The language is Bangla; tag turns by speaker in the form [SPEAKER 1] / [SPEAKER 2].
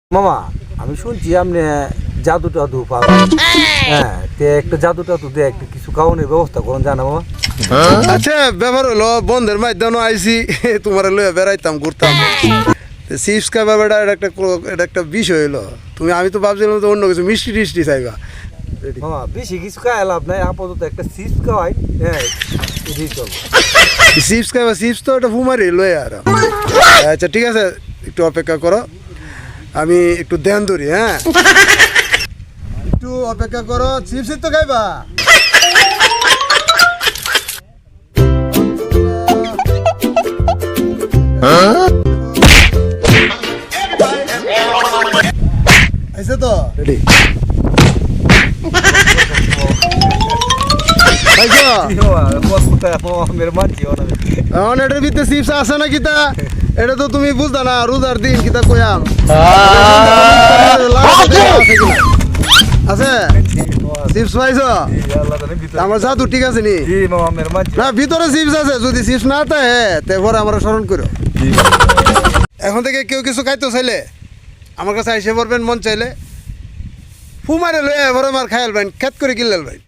[SPEAKER 1] মামা আমি শুনছি আপনি জাদু টাদু পাবেন। হ্যাঁ তে একটা জাদু টাদু দিয়ে একটা কিছু খাওয়ানোর ব্যবস্থা করুন জানা মামা।
[SPEAKER 2] আচ্ছা ব্যাপার হলো বন্ধের মাধ্যমে আইসি তোমার লয়ে বেড়াইতাম ঘুরতাম চিপস খাবা বেড়া এটা একটা বিষয় হলো আমি তো ভাবছিলাম তো অন্য কিছু মিষ্টি টিষ্টি চাইবা।
[SPEAKER 1] মামা বেশি কিছু খাওয়া লাভ নাই, আপাতত একটা চিপস খাওয়াই। হ্যাঁ এটাই চলবে।
[SPEAKER 2] চিপস খাবা চিপস তো এটা ফুমারি লয়ে আর আচ্ছা ঠিক আছে একটু অপেক্ষা করো, আমি একটু ধ্যান ধরি। হ্যাঁ একটু অপেক্ষা করো, চিপসই তো খাইবা। আইছে তো রেডি আইছো
[SPEAKER 1] মেরে মানছি
[SPEAKER 2] এখন এটার ভিতরে চিপস আছে না কিতা এটা তো তুমি বুঝতা না, রোজার দিন কিতা কইয়াম আছে চিপস পাইছো? আমার জাদু ঠিক আছে নি? না ভিতরে চিপস আছে, যদি চিপস না থাকে তারপরে আমরা স্মরণ করো। এখন থেকে কেউ কিছু খাইতো চাইলে আমার কাছে আইসে পড়বেন, মন চাইলে ফুমারে লয়ে এবার আমার খাইলবেন, খেত করে কিনলেন ভাই।